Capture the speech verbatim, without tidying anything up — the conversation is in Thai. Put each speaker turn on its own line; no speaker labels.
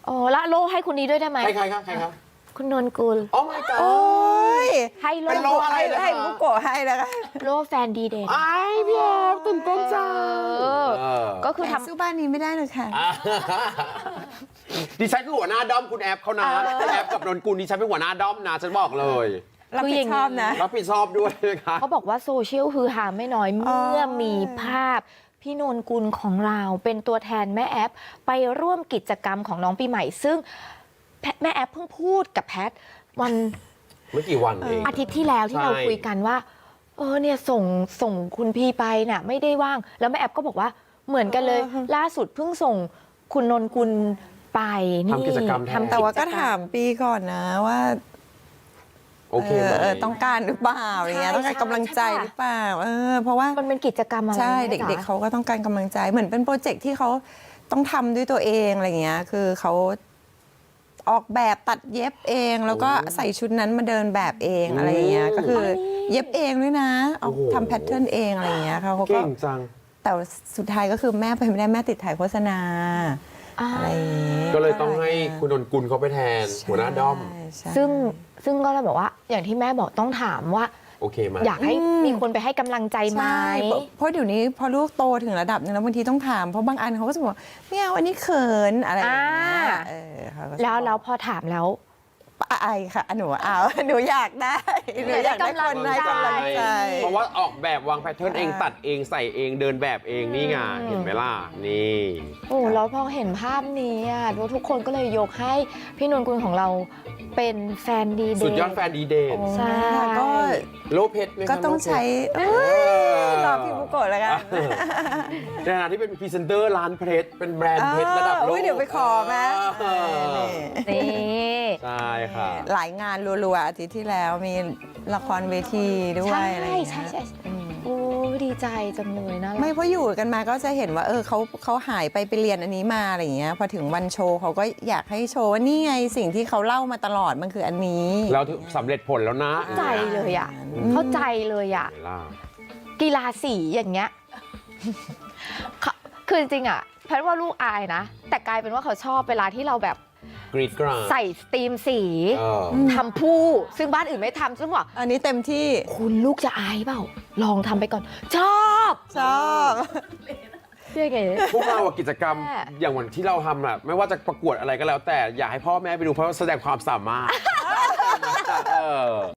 อ๋อละโลให้คุณนี้ด้วยได้ไหม
ใครๆครับใครครับ
คุณนนกุล
โอ้ my god
โอ้ย
ให้โล
เป็นโลอะไร
ให้บุโกะให้นะคะ
โลแฟนดีเด่น
ไอ้พี่แอบตื่นเต้นจัง
เออ ก็คือ
แต่
ทำ
สู้บ้านนี้ไม่ได้เลยค่ะ
อ่ะดิฉันคือหัวหน้าด้อมคุณแอปเขานะ
เออ
คุณแอปกับนนกุลดิฉันเป็นหัวหน้าด้อมนะฉันบอกเลย
รับผิดชอบนะ
รับผิดชอบด้วยนะคะ
เขาบอกว่าโซเชียลฮือฮาไม่น้อยเมื่อมีภาพ พี่นนกุลของเราเป็นตัวแทนแม่แอปไปร่วมกิจกรรมของน้องปีใหม่ ซึ่งแพทแม่แอปเพิ่งพูดกับแพทวัน
เมื่อกี่วันเอง
อาทิตย์ที่แล้วที่
ใช่
เราคุยกันว่า เออเนี่ยส่งส่งคุณพี่ไปน่ะไม่ได้ว่าง แล้วแม่แอปก็บอกว่าเหมือนกันเลย
เออ
ล่าสุดเพิ่งส่งคุณนนกุลไปนี่
ทำกิจกรรมแทน
ทำ
แต่ว่าก็
จรร
ถามปีก่อนนะว่า
โอเคไหม
เออต้องการหรือเปล่าอะไรเงี้ย
ใช่
ต้องการกำลังใจ
ใช่
หรือเปล่าเออเพราะว่า
มันเป็นกิจกรรมอะไร
ใช่
แม่
เด็ก
จ๊ะ
ๆเขาก็ต้องการกำลังใจเหมือนเป็นโปรเจกต์ที่เขาต้องทำด้วยตัวเองอะไรเงี้ยคือเขาออกแบบตัดเย็บเอง แล้วก็ใส่ชุดนั้นมาเดินแบบเองอะไรเงี้ยก็คือเย็บเองด้วยนะเอาทำแพทเทิร์นเองอะไรเงี้ยเขาเขาก็
เก่งจัง
แต่สุดท้ายก็คือแม่ไปไม่ได้แม่ติดถ่ายโฆษณา
อ่า
อะไรอย่างงี้
ก็เลยต้องให้คุณนนกุลเขาไปแทนหัวหน้าด้อม
ใช่ใช่
ซึ่งซึ่งก็เลยบอกว่าอย่างที่แม่บอกต้องถามว่า
โอเคไหม
อยากให้มีคนไปให้กำลังใจไหม
ใช่เพราะเพราะเดี๋ยวนี้พอลูกโตถึงระดับนึงแล้วบางทีต้องถามเพราะบางอันเขาก็จะบอกไม่เอาอันนี้เขินอะไรอย่างเงี้ย
อ่า
เออเขาก็จะ
แล้ว
บอก
แล้วพอถามแล้ว
ไอค่ะหนูเอา หนูอยากได้หนูอยากได้คนให้กำลังใจ
เพราะว่าออกแบบวางแพทเทิร์นเองตัดเองใส่เองเดินแบบเองนี่ไงเห็นไหมล่ะนี่
โอ้แล้วพอเห็นภาพนี้อ่ะทุกคนก็เลยยกให้พี่นนกุลของเราเป็นแฟนดีเด่น
สุดยอดแฟนดีเด่น
ใช่
ก็
โลเพชรไหมคะ
ก็ต้องใช้
โล
เอ้
เพชร
ยรอพี่บุโกะแล้วกัน
ในฐานะที่เป็นพรีเซนเตอร์ร้านเพชรเป็นแบรนด์เพชรระดับโล
เออก เดี๋ยวไปขอไหม
เออ
นี่
ใช่ค่ะ
หลายงานรัวๆอาทิตย์ที่แล้วมีละครเวทีด้วย
ใช่
อะไรอย่างเงี้ย
ใช่ใช่
อืม
โอ้ดีใจจังเลยนะ
ไม่เพราะอยู่กันมาก็จะเห็นว่าเออเขาเขาหายไปไปเรียนอันนี้มาอะไรอย่างเงี้ยพอถึงวันโชว์เขาก็อยากให้โชว์ว่านี่ไงสิ่งที่เขาเล่ามาตลอดมันคืออันนี้
เราสำเร็จผลแล้วนะ
เข้าใจเลยอ่ะเข้าใจเลยอ่ะ
เห็นไหมล่ะ
กีฬาสีอย่างเงี้ย เขาคือจริงๆอ่ะแพทย์ว่าลูกอายนะ แต่กลายเป็นว่าเขาชอบเวลาที่เราแบบ
กรีดกราด
ใส่สตรีมสี
เออ
ทำผู้ซึ่งบ้านอื่นไม่ทำซึ่งบอก
อันนี้เต็มที่
คุณลูกจะอายเปล่า ลองทำไปก่อน ชอบ
ชอบ
เชื่อไง
พวกเราอะกิจกรรม
แม่
อย่างวันที่เราทำอะไม่ว่าจะประกวดอะไรก็แล้วแต่อยากให้พ่อแม่ไปดูเพราะว่าแสดงความสามารถเออ